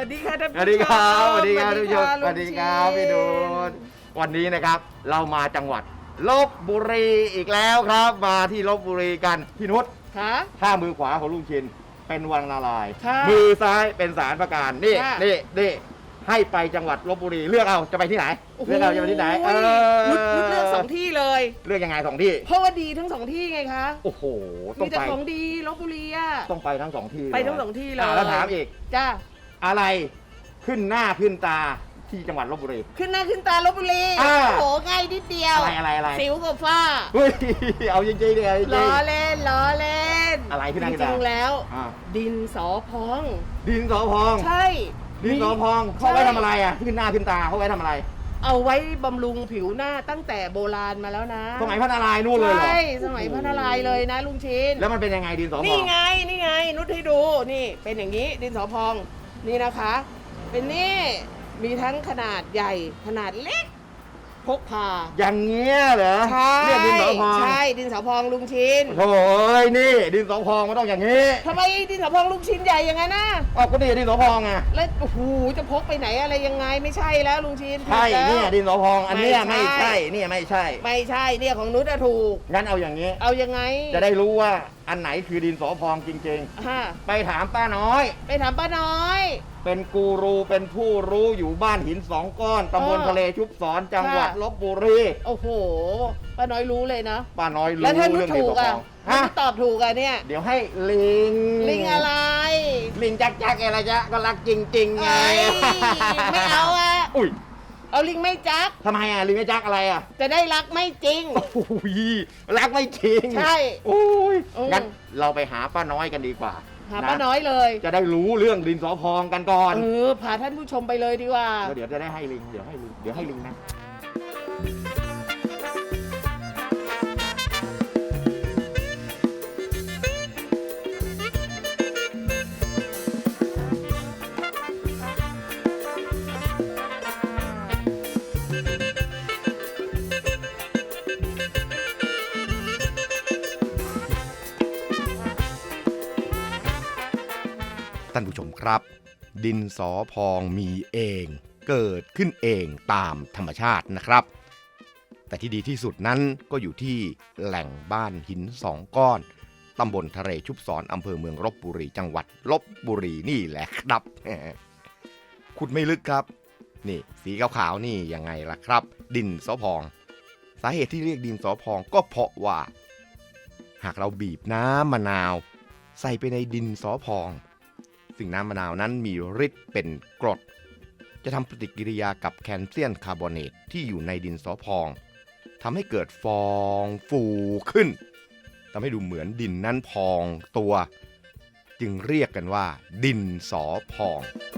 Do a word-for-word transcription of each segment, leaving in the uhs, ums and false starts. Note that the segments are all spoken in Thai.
ดีค่ะท่านสวัสดีครับสวัสดีครับสทุวักสท่านดีสวัสดีครับพี่ดูนวันนี้นะครับเรามาจังหวัดลพบุรีอีกแล้วครับ มาที่ลพบุรีกันพี่นุชค่ะถ้ามือขวาของลุงชินเป็นวังนารายณ์ค่ะมือซ้ายเป็นศาลประการนี่ค่ะนี่นี่ให้ไปจังหวัดลพบุรีเลือกเอาจะไปที่ไหนโอ้โหเลือกเอาจะไปที่ไหนเออนุชนุชเลือกสองที่เลยเลือกยังไงสองที่เพราะว่าดีทั้งสองที่ไงคะโอ้โหต้อมีงแต่ไปของดีลพบุรีอ่ะต้องไปทั้งสองที่ไปทั้งสองที่เลยาแล้วถามอีกจ้าอะไรขึ้นหน้าขึ้นตาที่จังหวัดลพบุรีขึ้นหน้าขึ้นตาลพบุรีอ่าโอ้โหง่ายนิดเดียวอะไรอะไรอะไรสิวกับฝ้าเฮ้ยเอาจริงๆดิเอาจริล้งอเล่นล้อเล่นอะไรขึ้นหน้าขึ้นจตาริงๆแล้วอ่าดินสอพองดินสอพองใช่ดินสอพองเขาไว้ทำอะไรอ่ะขึ้นหน้าขึ้นตาเขาไว้ทำอะไรเอาไว้บำรุงผิวหน้าตั้งแต่โบราณมาแล้วนะสมัยพระนารายณ์นู่นเลยเหรอใช่สมัยพระนารายณ์เลยนะลุงชินแล้วมันเป็นยังไงดินสอพองนี่ไงนี่ไงนุชให้ดูนี่เป็นอย่างนี้ดินสอพองนี่นะคะ เป็นนี่มีทั้งขนาดใหญ่ขนาดเล็กพกพาอย่างเงี้ยเหรอใช่เรียกดินสอพองใช่ดินสอพองลุงชินโถ่เอ้ยนี่ดินสอพองมันต้องอย่างนี้ทำไมดินสอพองลุงชินใหญ่อย่างนั้นนะอ๋อก็นี่ดินสอพองไงแล้วโอ้โหจะพกไปไหนอะไรยังไงไม่ใช่แล้วลุงชินใช่ผิดแล้วเนี่ยดินสอพองอันเนี้ยไม่ไม่ใช่ใช่เนี่ยไม่ใช่ไม่ใช่เนี่ยของนุชอะถูกงั้นเอาอย่างนี้เอายังไงจะได้รู้ว่าอันไหนคือดินสอพองจริงฮะๆ ไปถามป้าน้อยไปถามป้าน้อยเป็นกูรูเป็นผู้รู้อยู่บ้านหินสองก้อนตำบลเออทะเลชุบสอนจังหวัดค่ะลพบุรีโอ้โหป้าน้อยรู้เลยนะป้าน้อยรู้แล้วถ้านุชเรื่องดิถูนสกอพอ่ะองถ้าฮะนุชตอบถูกอ่ะเนี่ยเดี๋ยวให้ลิงลิงอะไรลิงจักจักอะไรจ๊ะก็รักจริงๆไงเอ้ยไม่เอาอ่ะอุ้ยเอาลิงไม่จักทำไมอ่ะลิงไม่จักอะไรอ่ะจะได้รักไม่จริงโอ้ยรักไม่จริงใช่โอ้ยอืมงั้นเราไปหาป้าน้อยกันดีกว่าหาป้าน้อยเลยจะได้รู้เรื่องดินสอพองกันก่อนเออพาท่านผู้ชมไปเลยดีกว่าแล้วเดี๋ยวจะได้ให้ลิงเดี๋ยวให้ลิงเดี๋ยวให้ลิงนะท่านผู้ชมครับ ดินสอพองมีเองเกิดขึ้นเองตามธรรมชาตินะครับ แต่ที่ดีที่สุดนั้นก็อยู่ที่แหล่งบ้านหินสองก้อนตำบลทะเลชุบสอนอำเภอเมืองลพบุรีจังหวัดลพบุรีนี่แหละครับ ขุดไม่ลึกครับ นี่สีขาวๆนี่ยังไงล่ะครับ ดินสอพอง สาเหตุที่เรียกดินสอพองก็เพราะว่า หากเราบีบน้ำมะนาว ใส่ไปในดินสอพองซึ่งน้ำมะนาวนั้นมีฤทธิ์เป็นกรด จะทำปฏิกิริยากับแคลเซียมคาร์บอเนตที่อยู่ในดินสอพองทำให้เกิดฟองฟูขึ้นทำให้ดูเหมือนดินนั้นพองตัว จึงเรียกกันว่า ดินสอพอง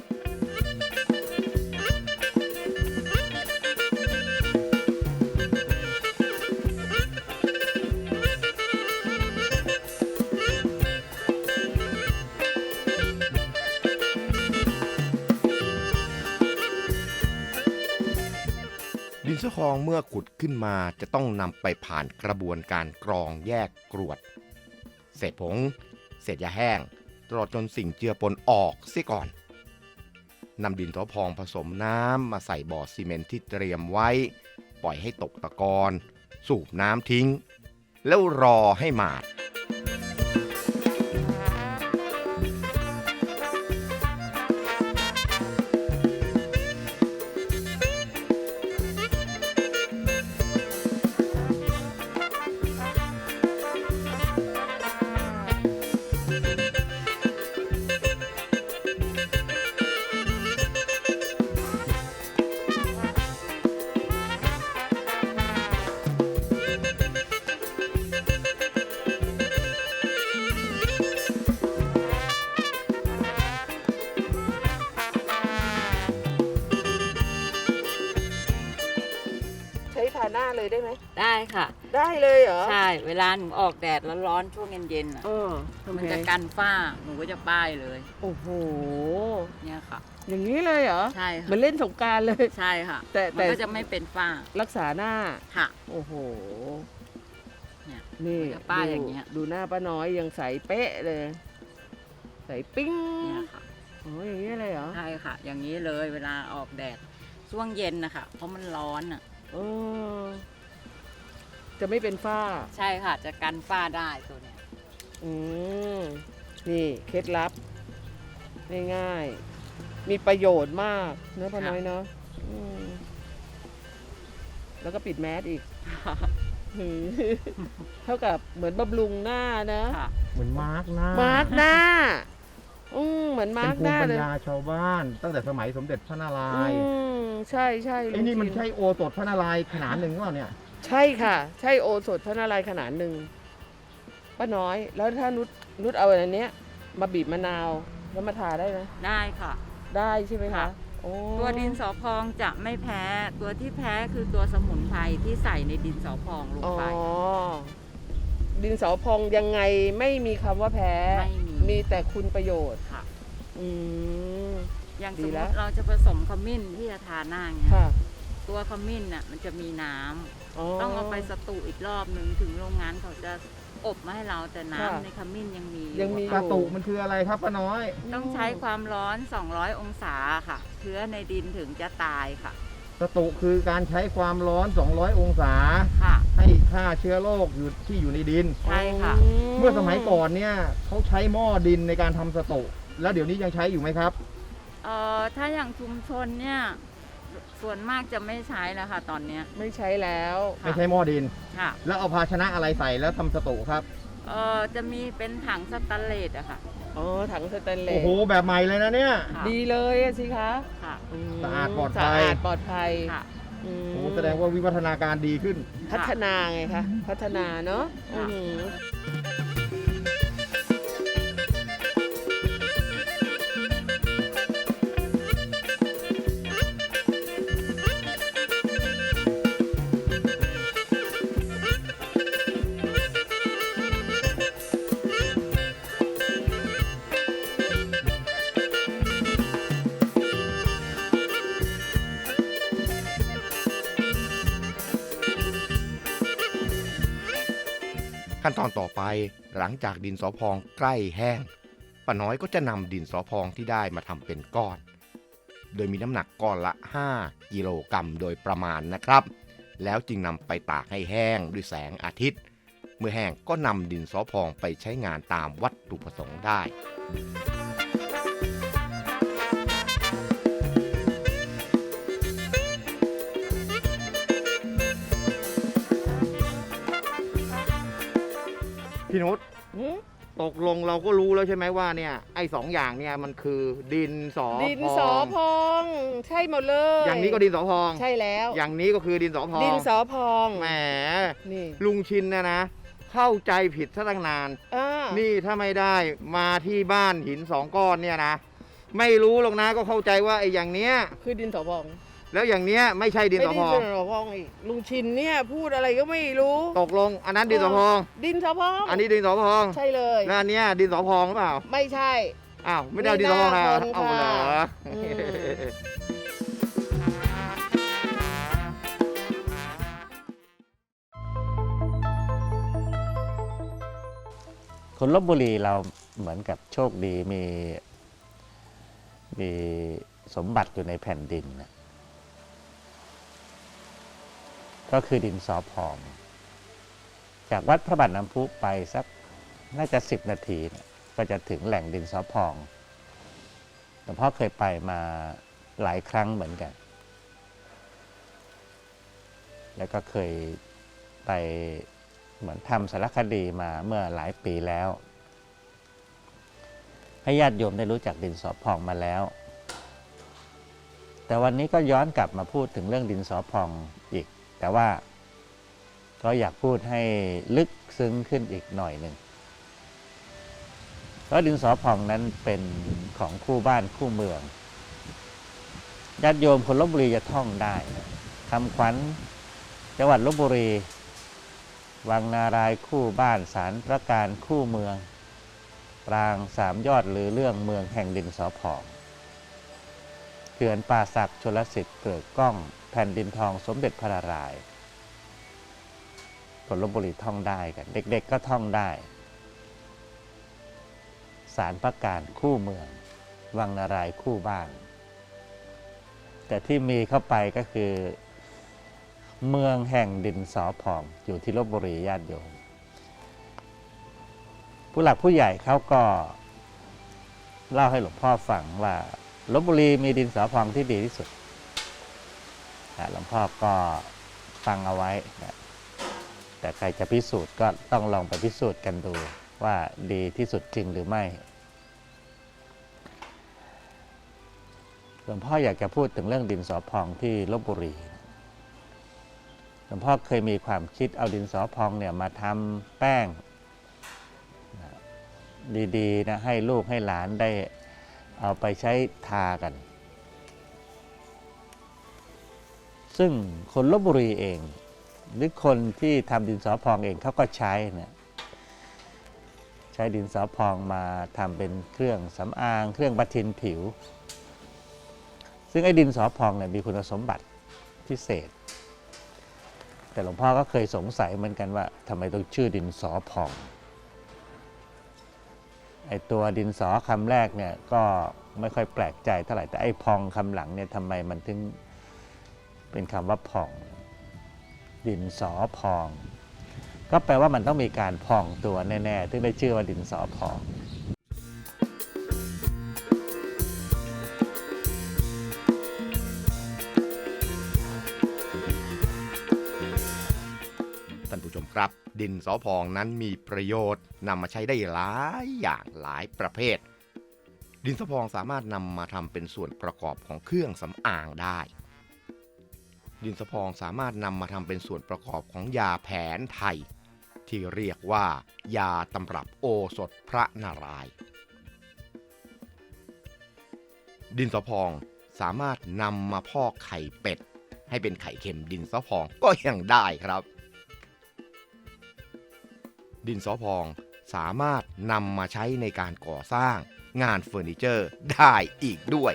ดินสอพองเมื่อขุดขึ้นมาจะต้องนำไปผ่านกระบวนการกรองแยกกรวด เศษผง เศษยาแห้งตลอดจนสิ่งเจือปนออกเสียก่อนนำดินสอพองผสมน้ำมาใส่บ่อซีเมนต์ที่เตรียมไว้ ปล่อยให้ตกตะกอนสูบน้ำทิ้ง แล้วรอให้หมาดใช้ทาหน้าเลยได้ไหมได้ค่ะได้เลยเหรอใช่ เวลาหนูออกแดดร้อนๆช่วงเย็นๆอ่ะเออทำมันไงจะกันฝ้า หนูก็จะป้ายเลยโอ้โหเนี่ยค่ะอย่างนี้เลยเหรอใช่เหมือค่ะนเล่นสงกรารเลยใช่ค่ะแต่แต่มันก็จะไม่เป็นฝ้ารักษาหน้าค่ะโอ้โหเนี่ยนี่มันจะป้ายอย่างเงี้ยดูดูหน้าป้าน้อยยังใสเป๊ะเลย ใสปิ้งเนี่ยค่ะอ๋ออย่างนี้เลยเหรอใช่ค่ะ อย่างนี้เลยเวลาออกแดดช่วงเย็นนะคะเพราะมันร้อนอ่ะเออจะไม่เป็นฝ้าใช่ค่ะ จะกันฝ้าได้ตัวเนี้ยอืมนี่เคล็ดลับง่ายๆมีประโยชน์มากเนอะพ่อน้อยเนาะอืมแล้วก็ปิดแมสอีก หือเท่ากับเหมือนบำรุงหน้านะค่ะเหมือนมาร์กหน้ามาร์กหน้าอืมเหมือนมาเป็นร์กภูหน้ามิปัญเลยญาชาวบ้าน ตั้งแต่สมัยสมเด็จพระนารายณ์อืมใช่ใช่ไอ้นี่มันลุงจิใช่โอสถพระนารายณ์ขนาดหนึ่งหรือเปล่าเนี่ยใช่ค่ะ ใช่โอสถพระนารายณ์ขนาดหนึ่งป้าน้อย แล้วถ้านุชนุชเอาอันเนี้ย มาบีบมะนาวแล้วมาทาได้ไหมได้ค่ะได้ใช่ไหมคะค่ะโอ้ตัวดินสอพองจะไม่แพ้ ตัวที่แพ้คือตัวสมุนไพรที่ใส่ในดินสอพองลงอ๋อไปดินสอพองยังไงไม่มีคำว่าแพ้ไม่มีมีแต่คุณประโยชน์ค่ะอืมอย่างดีสมมแล้วติเราจะผสมขมิ้นที่จะทาหน้าเนี่ยค่ะตัวขมิ้นน่ะมันจะมีน้ำอ๋อต้องเอาไปสตูอีกรอบหนึ่งถึงโรงงานเขาจะอบมาให้เราแต่น้ำค่ะในขมิ้นยังมีอยังมีกระตุกมันคืออะไรครับป้าน้อยต้องใช้ความร้อน สองร้อย องศาค่ะ เชื้อในดินถึงจะตายค่ะกระตุกคือการใช้ความร้อน สองร้อย องศาค่ะให้ฆ่าเชื้อโรคอยู่ที่อยู่ในดินใช่ค่ะเมื่อสมัยก่อนเนี่ยเขาใช้หม้อดินในการทำสตุแล้วเดี๋ยวนี้ยังใช้อยู่ไหมครับเอ่อถ้าอย่างชุมชนเนี่ยส่วนมากจะไม่ใช้แล้วค่ะตอนเนี้ยไม่ใช้แล้วค่ะไม่ใช้หม้อดินค่ะแล้วเอาภาชนะอะไรใส่แล้วทำสตุครับเอ่อจะมีเป็นถังสแตนเลสอะค่ะอ๋อ ถังสแตนเลโอ้สโหแบบใหม่เลยนะเนี่ยค่ะดีเลยอะสิคะค่ะมสะอาดปลอดภัยสะอาดปลอดภัยค่ะอืมโอ้โหแสดงว่าวิวัฒนาการดีขึ้นพัฒนาไงคะ พัฒนาเนาะค่ะอืมขั้นตอนต่อไปหลังจากดินสอพองใกล้แห้งป้าน้อยก็จะนำดินสอพองที่ได้มาทำเป็นก้อน โดยมีน้ำหนักก้อนละห้ากิโลกรัมโดยประมาณนะครับ แล้วจึงนำไปตากให้แห้งด้วยแสงอาทิตย์ เมื่อแห้งก็นำดินสอพองไปใช้งานตามวัตถุประสงค์ได้พี่นุชหืมตกลงเราก็รู้แล้วใช่ไหมว่าเนี่ยไอ้สองอย่างเนี่ยมันคือดินสอดินพสอองพอง ใช่หมดเลยอย่างนี้ก็ดินสอพองใช่แล้วอย่างนี้ก็คือดินสอพองดินสอพองแหมนี่ลุงชินนะนะ เข้าใจผิดซะตั้งนานอ่านี่ถ้าไม่ได้มาที่บ้านหินสองก้อนเนี่ยนะ ไม่รู้หรอกนะก็เข้าใจว่าไอ้อย่างเนี้ยคือดินสอพองแล้วอย่างเนี้ยไม่ใช่ดินสอพองไม่ดินสอพองอีกลุงชินเนี่ยพูดอะไรก็ไม่รู้ตกลงอันนั้นดินสอพองดินสอพองอันนี้ดินสอพองใช่เลยแล้วอันเนี้ยดินสอพองหรือเปล่าไม่ใช่อ้าวไม่ได้เอาดินสอพองนะนี่หน้าคนเอาเหรอค่ะอืมคนลบบุรีเราเหมือนกับโชคดีมีมีสมบัติอยู่ในแผ่นดินนะก็คือดินสอพอง จากวัดพระบาทน้ำพุไปสักน่าจะสิบนาทีเนี่ยก็จะถึงแหล่งดินสอพองหลวงพ่อเคยไปมาหลายครั้งเหมือนกัน แล้วก็เคยไปเหมือนทำสารคดีมาเมื่อหลายปีแล้ว ให้ญาติโยมได้รู้จักดินสอพองมาแล้ว แต่วันนี้ก็ย้อนกลับมาพูดถึงเรื่องดินสอพองอีก แต่ว่าก็อยากพูดให้ลึกซึ้งขึ้นอีกหน่อยหนึ่งเพราะดินสอพองนั้นเป็นของคู่บ้านคู่เมืองญาติโยมคนลบบุรีจะท่องได้คำขวัญจังหวัดลบบุรีวังนารายคู่บ้านศาลพระการคู่เมืองปรางสามยอดหรือเรื่องเมืองแห่งดินสอพองเขื่อนป่าสักชลสิทธิ์เกิดก้องแผ่นดินทองสมเด็จพระนารายณ์คนลบบุรีท่องได้กันเด็กๆก็ท่องได้ศาลพระการคู่เมืองวังนารายณ์คู่บ้าน แต่ที่มีเข้าไปก็คือ เมืองแห่งดินสอพองอยู่ที่ลพบุรีญาติโยมผู้หลักผู้ใหญ่เขาก็เล่าให้หลวงพ่อฟังว่าลพบุรีมีดินสอพองที่ดีที่สุดหลวงพ่อก็ฟังเอาไว้นะแต่ใครจะพิสูจน์ก็ต้องลองไปพิสูจน์กันดูว่าดีที่สุดจริงหรือไม่หลวงพ่ออยากจะพูดถึงเรื่องดินสอพองที่ลพบุรีหลวงพ่อเคยมีความคิดเอาดินสอพองเนี่ยมาทำแป้งดีๆนะให้ลูกให้หลานได้เอาไปใช้ทากันซึ่งคนลพบุรีเองหรือคนที่ทำดินสอพองเองเขาก็ใช้นะใช้ดินสอพองมาทำเป็นเครื่องสำอางเครื่องประทินผิวซึ่งไอ้ดินสอพองเนี่ยมีคุณสมบัติพิเศษแต่หลวงพ่อก็เคยสงสัยเหมือนกันว่าทำไมต้องชื่อดินสอพองไอ้ตัวดินสอคำแรกเนี่ยก็ไม่ค่อยแปลกใจเท่าไหร่แต่ไอ้พองคำหลังเนี่ยทำไมมันถึงเป็นคำว่าพองดินสอพองก็แปลว่ามันต้องมีการพองตัวแน่ๆถึงได้ชื่อว่าดินสอพองท่านผู้ชมครับดินสอพองนั้นมีประโยชน์นำมาใช้ได้หลายอย่างหลายประเภทดินสอพองสามารถนำมาทำเป็นส่วนประกอบของเครื่องสำอางได้ดินสอพองสามารถนำมาทำเป็นส่วนประกอบของยาแผนไทยที่เรียกว่ายาตำรับโอสถพระนารายณ์ดินสอพองสามารถนำมาพอกไข่เป็ดให้เป็นไข่เค็มดินสอพองก็ยังได้ครับดินสอพองสามารถนำมาใช้ในการก่อสร้างงานเฟอร์นิเจอร์ได้อีกด้วย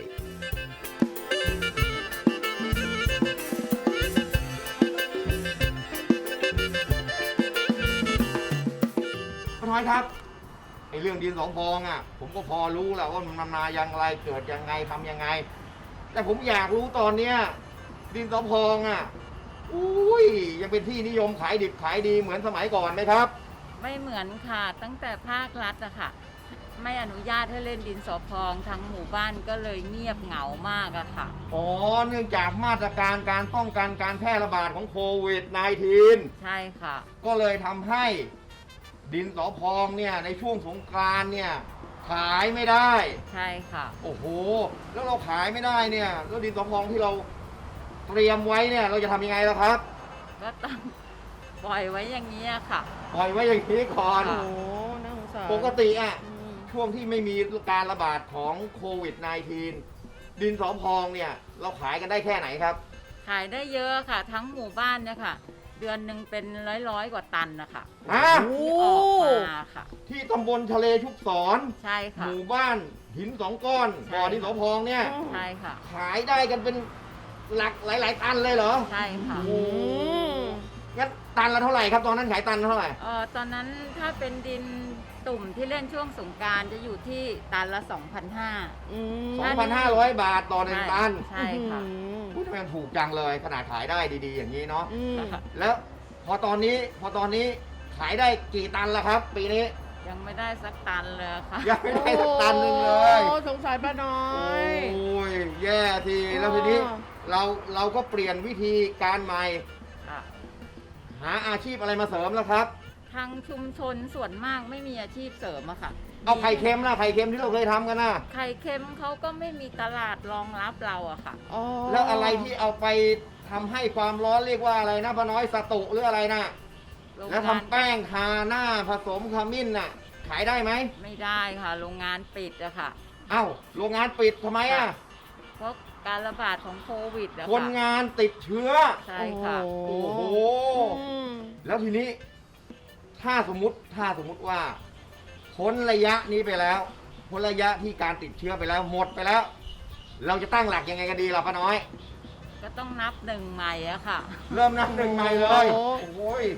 น้อยครับไอ้เรื่องดินสอพองอ่ะผมก็พอรู้แหละว่ามันมาอย่างไรเกิดยังไงทำยังไงแต่ผมอยากรู้ตอนเนี้ยดินสอพองอ่ะอุ้ยยังเป็นที่นิยมขายดิบขายดีเหมือนสมัยก่อนไหมครับไม่เหมือนค่ะตั้งแต่ภาครัฐอะค่ะไม่อนุญาตให้เล่นดินสอพองทั้งหมู่บ้านก็เลยเงียบเหงามากอะค่ะอ๋อเนื่องจากมาตรการการป้องกันการแพร่ระบาดของโควิด สิบเก้าใช่ค่ะก็เลยทำให้ดินสอพองเนี่ยในช่วงสงกรานต์เนี่ยขายไม่ได้ใช่ค่ะโอ้โหแล้วเราขายไม่ได้เนี่ยแล้วดินสอพองที่เราเตรียมไว้เนี่ยเราจะทำยังไงล่ะครับก็ต้องปล่อยไว้อย่างนี้ค่ะปล่อยไว้อย่างนี้ก่อนโอ้น่าสงสารปกติอ่ะช่วงที่ไม่มีการระบาดของโควิด สิบเก้า ดินสอพองเนี่ยเราขายกันได้แค่ไหนครับขายได้เยอะค่ะทั้งหมู่บ้านเนี่ยค่ะเดือนหนึ่งเป็นร้อยร้อยกว่าตันนะคะที่ออกมาค่ะที่ตำบลทะเลชุบศรใช่ค่ะหมู่บ้านหินสองก้อนบ่อดินสอพองเนี่ยใช่ค่ะขายได้กันเป็นหลักหลายๆตันเลยเหรอใช่ค่ะโอ้งั้นตันละเท่าไหร่ครับตอนนั้นขายตันเท่าไหร่เออตอนนั้นถ้าเป็นดินตุ่มที่เล่นช่วงสงกรานต์จะอยู่ที่ตันละ สองพันห้าร้อยสองพันห้าร้อยบาทต่อหนึ่งตันใช่ค่ะพูดทำไมถูกจังเลยขนาดขายได้ดีๆอย่างนี้เนาะแล้วพอตอนนี้พอตอนนี้ขายได้กี่ตันแล้วครับปีนี้ยังไม่ได้สักตันเลยค่ะยังไม่ได้สักตันนึงเลยโอ้สงสารป้าน้อยโอ้ยแย่ทีแล้วทีนี้เราเราก็เปลี่ยนวิธีการใหม่หาอาชีพอะไรมาเสริมแล้วครับทางชุมชนส่วนมากไม่มีอาชีพเสริมอะค่ะเอาไข่เค็มนะไข่เค็มที่เราเคยทำกันนะไข่เค็มเขาก็ไม่มีตลาดรองรับเราอะค่ะแล้วอะไรที่เอาไปทำให้ความร้อนเรียกว่าอะไรนะป้าน้อยสตุหรืออะไรนะแล้วทำแป้งทาหน้าผสมขมิ้นน่ะขายได้ไหมไม่ได้ค่ะโรงงานปิดอะค่ะเอ้าโรงงานปิดทำไมอะเพราะการระบาดของโควิดอะค่ะคนงานติดเชื้อใช่ค่ะโอ้โหแล้วทีนี้ถ้าสมมติถ้าสมมติว่าพ้นระยะนี้ไปแล้วพ้นระยะที่การติดเชื้อไปแล้วหมดไปแล้วเราจะตั้งหลักยังไงกันดีล่ะป้าน้อยก็ต้องนับหนึ่งใหม่อะค่ะเริ่มนับหนึ่งใหม่เลยโอ้ย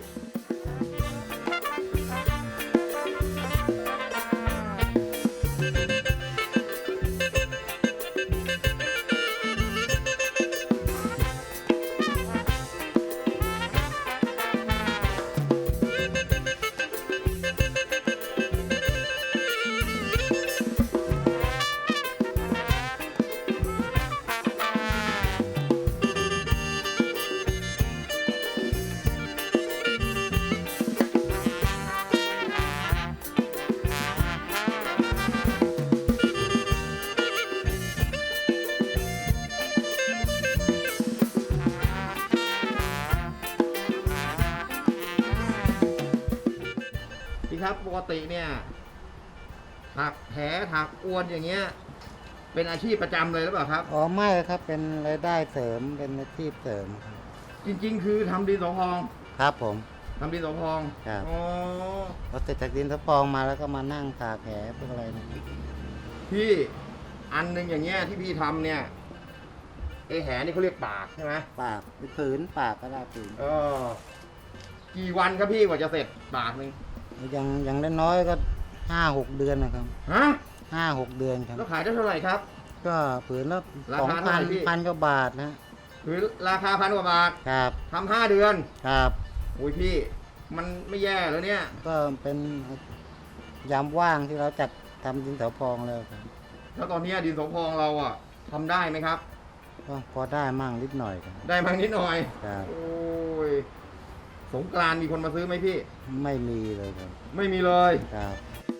ครับปกติเนี่ยถักแผลถักอวนอย่างเงี้ยเป็นอาชีพประจำเลยหรือเปล่าครับอ๋อไม่ครับเป็นรายได้เสริมเป็นอาชีพเสริมครับจริง ๆ คือทำดินสอพองครับผมทำดินสอพองครับอ๋อพอเสร็จจากดินสะพองมาแล้วก็มานั่งตากแผลพวกอะไรนะพี่อันหนึ่งอย่างเงี้ยที่พี่ทำเนี่ยไอแหนี่เขาเรียกปากใช่ไหมปากผืนปากก็ได้ผืนเออกี่วันครับพี่กว่าจะเสร็จปากหนึ่งยังยังน้อยๆก็ห้าหกเดือนนะครับฮะห้าหกเดือนครับแล้วขายได้เท่าไหร่ครับก็ผืนละราสองคาเท่าพัไหนร่พี่พันกว่าบาทนะคือราคาพันกว่าบาทครับทำห้าเดือนครับโอ้ยพี่มันไม่แย่แล้วเนี่ยก็เป็นยามว่างที่เราจัดทำดินสอพองแล้วครับแล้วตอนเนี้ยดินสอพองเราอะทำได้ไหมครับก็พอได้มั่งนิดหน่อยครับได้บ้างนิดหน่อยครับโอ้ยสงกรานต์มีคนมาซื้อไหมพี่ไม่มีเลยครับไม่มีเลยครับ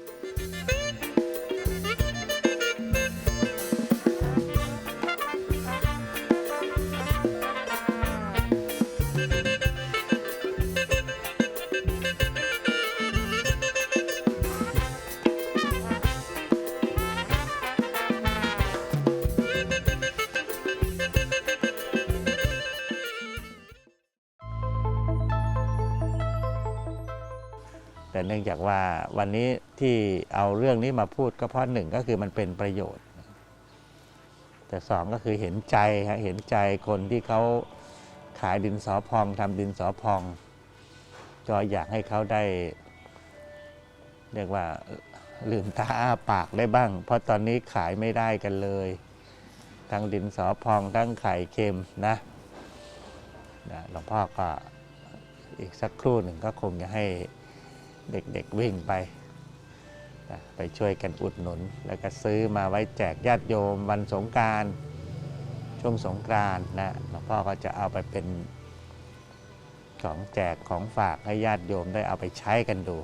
แต่เนื่องจากว่าวันนี้ที่เอาเรื่องนี้มาพูดก็เพราะหนึ่งก็คือมันเป็นประโยชน์ แต่สองก็คือเห็นใจฮะเห็นใจคนที่เขาขายดินสอพองทำดินสอพอง ก็อยากให้เขาได้ เรียกว่าลืมตาอ้าปากได้บ้าง เพราะตอนนี้ขายไม่ได้กันเลย ทั้งดินสอพองทั้งไข่เค็มนะนะหลวงพ่อก็อีกสักครู่หนึ่งก็คงจะให้เด็กๆวิ่งไปนะไปช่วยกันอุดหนุน แล้วก็ซื้อมาไว้แจกญาติโยมวันสงกรานต์ช่วงสงกรานต์นะหลวงพ่อก็จะเอาไปเป็นของแจกของฝากให้ญาติโยมได้เอาไปใช้กันดู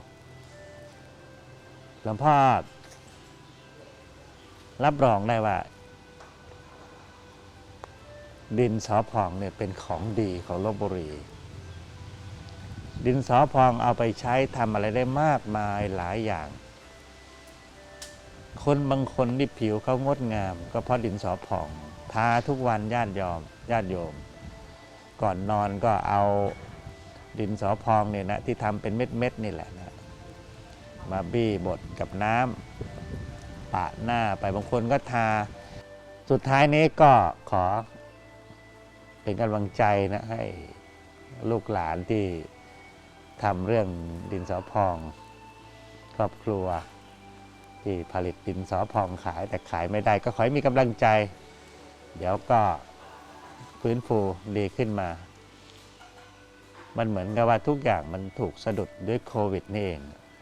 หลวงพ่อรับรองได้ว่า ดินสอพองเนี่ยเป็นของดีของลพบุรี ดินสอพองเอาไปใช้ทำอะไรได้มากมายหลายอย่าง คนบางคนที่ผิวเขางดงาม ก็เพราะดินสอพองทาทุกวันญาติโยมญาติโยม ก่อนนอนก็เอาดินสอพองเนี่ยนะที่ทำเป็นเม็ดๆนี่แหละนะมาบี้บดกับน้ำปะหน้าไปบางคนก็ทาสุดท้ายนี้ก็ขอเป็นกำลังใจนะให้ลูกหลานที่ทำเรื่องดินสอพองครอบครัวที่ผลิตดินสอพองขายแต่ขายไม่ได้ก็ขอให้มีกำลังใจ เดี๋ยวก็ฟื้นฟูดีขึ้นมา มันเหมือนกับว่าทุกอย่างมันถูกสะดุดด้วยโควิดนี่เอง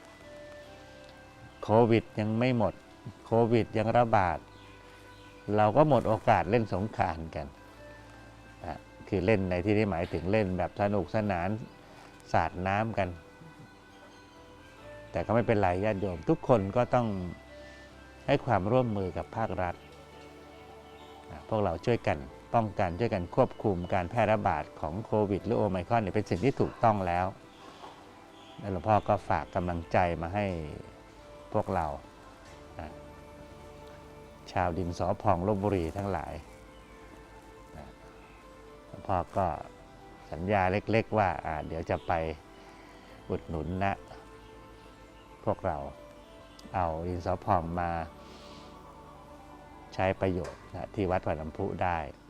โควิดยังไม่หมดโควิดยังระบาดเราก็หมดโอกาสเล่นสงกรานต์กันนะคือเล่นในที่นี้หมายถึงเล่นแบบสนุกสนานสาดน้ำกัน แต่ก็ไม่เป็นไรญาติโยมทุกคนก็ต้องให้ความร่วมมือกับภาครัฐนะพวกเราช่วยกันป้องกันช่วยกันควบคุมการแพร่ระบาดของโควิดหรือโอไมครอนเนี่ยเป็นสิ่งที่ถูกต้องแล้วและหลวงพ่อก็ฝากกำลังใจมาให้พวกเรานะชาวดินสอพองลพบุรีทั้งหลายนะหลวงพ่อก็สัญญาเล็กๆว่าเดี๋ยวจะไปอุดหนุนนะพวกเราเอาดินสอพองมาใช้ประโยชน์นะที่วัดวัดลำพุได้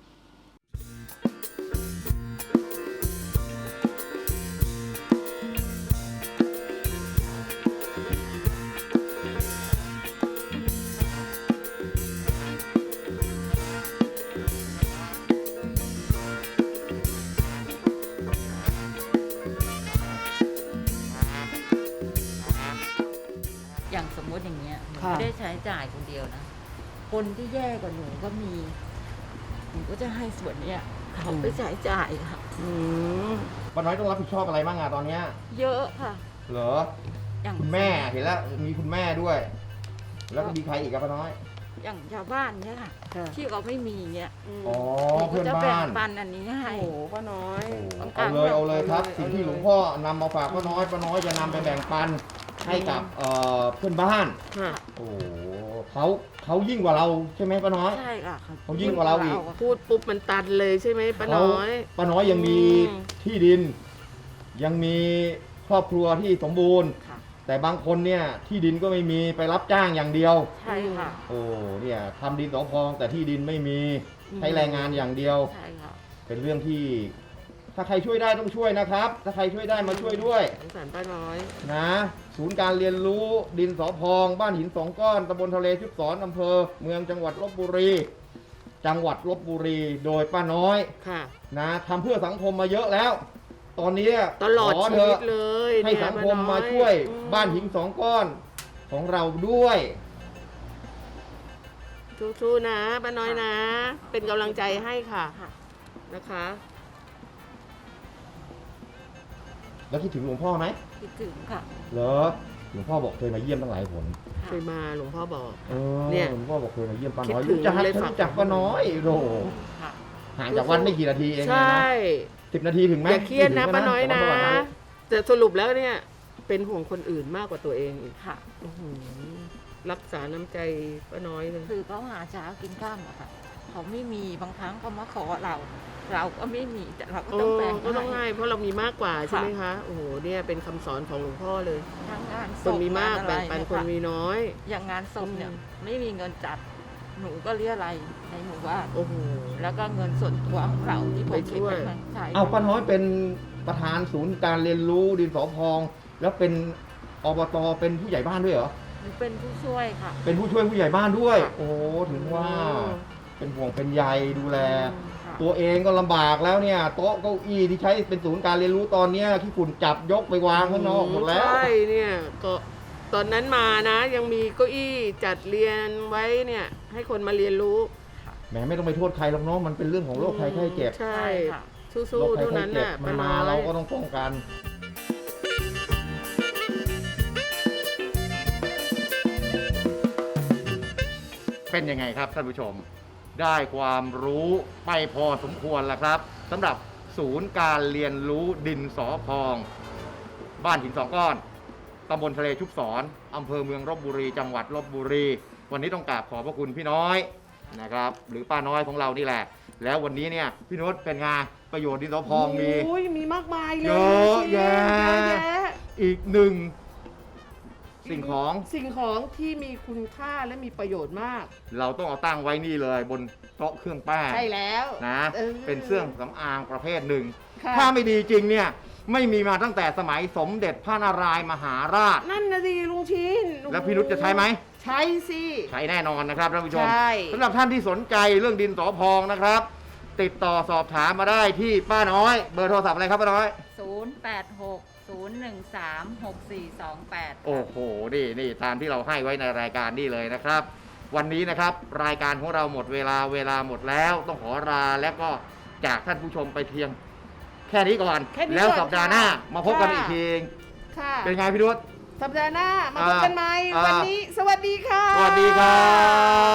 อย่างสมมติอย่างเงี้ยหนูค่ะไม่ได้ใช้จ่ายคนเดียวนะ คนที่แย่กว่าหนูก็มี หนูก็จะให้ส่วนเนี้ยเขาไปใช้จ่ายค่ะอืมป้าน้อยต้องรับผิดชอบอะไรบ้างอะตอนเนี้ยเยอะค่ะเหรออย่างคุณแม่เห็นแล้วมีคุณแม่ด้วย แล้วก็มีใครอีกครับป้าน้อยอย่างชาวบ้านเนี่ยค่ะค่ะที่เขาไม่มีเงี้ยมอ๋อหนูเพื่ก็อนจะแบ่บ้าง นปันอันนี้ให้โอ้โหป้าน้อยเอาเลยเอาเลยครับ สิ่งที่หลวงพ่อนำมาฝากป้าน้อยป้าน้อยจะนำไปแบ่งปันให้กับเอ่อเพื่อนบ้านค่ะโอ้โหเขาเขายิ่งกว่าเราใช่ไหมป้าน้อยใช่ค่ะเขายิ่งกว่าเราอีกพูดปุ๊บมันตันเลยใช่ไหมป้าน้อยป้าน้อยยังมีอืมที่ดิน ยังมีครอบครัวที่สมบูรณ์ค่ะแต่บางคนเนี่ยที่ดินก็ไม่มีไปรับจ้างอย่างเดียวใช่ค่ะโอ้เนี่ยทำดินสอพองแต่ที่ดินไม่มีใช้แรงงานอย่างเดียวใช่ค่ะเป็นเรื่องที่ ถ้าใครช่วยได้ต้องช่วยนะครับ ถ้าใครช่วยได้มาช่วยด้วยสงสารป้าน้อยนะศูนย์การเรียนรู้ดินสอพองบ้านหินสองก้อนตำบลทะเลชุบศรอำเภอเมืองจังหวัดลบบุรี จังหวัดลบบุรีโดยป้าน้อยค่ะนะทำเพื่อสังคมมาเยอะแล้ว ตอนนี้ตลอดขชีเถวิอะตเลยให้เนี่ยสังคมป้น้อมาช่วยอืมบ้านหินสองก้อนของเราด้วยสู้ๆนะป้าน้อยนะ เป็นกำลังใจให้ค่ะค่ะนะคะแล้วคิดถึงหลวงพ่อไหมคิดถึงค่ะเหรอหลวงพ่อบอกเคยมาเยี่ยมตั้งหลายหนเคยมาหลวงพ่อบอกเออเนี่ยหลวงพ่อบอกเคยมาเยี่ยมป้าน้อยคิดถึงรู้จักเลยฝากรู้จักป้าน้อยโอ้โหค่ะห่างจากวันไม่กี่นาทีเองใชเลย่ นะสิบนาทีถึงไหมอย่าเครียดนะถึงป้าน้อยนะสวรรค์สวรรค์แต่สรุปแล้วเนี่ย เป็นห่วงคนอื่นมากกว่าตัวเองอีกค่ะอื้อหือรักษาน้ำใจป้าน้อยเลยคือเขาหาเช้ากินข้ามอะค่ะ เขาไม่มีบางครั้งเขามาขอเรา เราก็ไม่มีแต่เราก็โอ้ต้องแบ่งก็ต้องให้ให้เพราะเรามีมากกว่าใช่ไหมคะ โอ้โห เนี่ยเป็นคำสอนของหลวงพ่อเลยทั้งงานศคนพมีมากงอะแบ่ไรงปันเยคนมีค่ะน้อยอย่างงานศพเนี่ยอืมไม่มีเงินจัด หนูก็เรียอะไรยในหมู่บ้านโอ้โหแล้วก็เงินส่วนตัวของเราที่ผมไปช่วยเก็บไว้ใช้เอาป้าน้อยเป็นประธานศูนย์การเรียนรู้ดินสอพอง แล้วเป็นอบตเป็นผู้ใหญ่บ้านด้วยเหรอหนูเป็นผู้ช่วยค่ะเป็นผู้ช่วยผู้ใหญ่บ้านด้วยค่ะโอ้ถึงว่าเป็นห่วงเป็นใยดูแลค่ะตัวเองก็ลำบากแล้วเนี่ยโต๊ะเก้าอี้ที่ใช้เป็นศูนย์การเรียนรู้ตอนเนี้ยที่ฝุ่นจับยกไปวางข้างนอกหมดแล้วใช่เนี่ยก็ตอนนั้นมานะ ยังมีเก้าอี้จัดเรียนไว้เนี่ย ให้คนมาเรียนรู้แหมไม่ต้องไปโทษใครหรอกเนาะมันเป็นเรื่องของโรคภัยไข้เจ็บใช่ใช่ค่ะสู้โรคๆภัยเท่าไข้นั้นเจ็บน่ะมันมาป้เราอยก็ต้องป้องกัน เป็นยังไงครับท่านผู้ชม ได้ความรู้ไปพอสมควรแล้วครับสำหรับศูนย์การเรียนรู้ดินสอพอง บ้านหินสองก้อนตำบลทะเลชุบศรอำเภอเมืองลบบุรี จังหวัดลบบุรี วันนี้ต้องกราบขอบพระคุณพี่น้อยนะครับ หรือป้าน้อยของเรานี่แหละ แล้ววันนี้เนี่ยพี่นุชเป็นไงประโยชน์ดินสอพองมีโอ้ยมีมากมายเลยเยอะแยะเยอะแยะอีกหนึ่งสิ่งของสิ่งของที่มีคุณค่าและมีประโยชน์มากเราต้องเอาตั้งไว้นี่เลยบนโต๊ะเครื่องแป้งใช่แล้วนะออเป็นเครื่องสำอางประเภทหนึ่งค่ะถ้าไม่ดีจริงเนี่ยไม่มีมาตั้งแต่สมัยสมเด็จพระนารายณ์มหาราชนั่นนะสิลุงชินแล้วพี่นุชจะใช้ไหมใช้สิใช้แน่นอนนะครับท่านผู้ชมใช่สำหรับท่านที่สนใจเรื่องดินสอพองนะครับ ติดต่อสอบถามมาได้ที่ป้าน้อย เบอร์โทรศัพท์อะไรครับป้าน้อยศูนย์ แปด หก ศูนย์ หนึ่ง สาม หก สี่ สอง แปดโอ้โห นี่นี่ตามที่เราให้ไว้ในรายการนี่เลยนะครับ วันนี้นะครับรายการของเราหมดเวลาเวลาหมดแล้ว ต้องขอลาและก็จากท่านผู้ชมไปเพียง แค่นี้ก่อนแค่นี้แล้วก่อนสัปดาห์หน้าค่ะมาพบกันค่ะอีกทีค่ะเป็นไงพี่นุชสัปดาห์หน้ามาพบกันใหม่อ่าวันนี้ สวัสดีค่ะสวัสดีครับ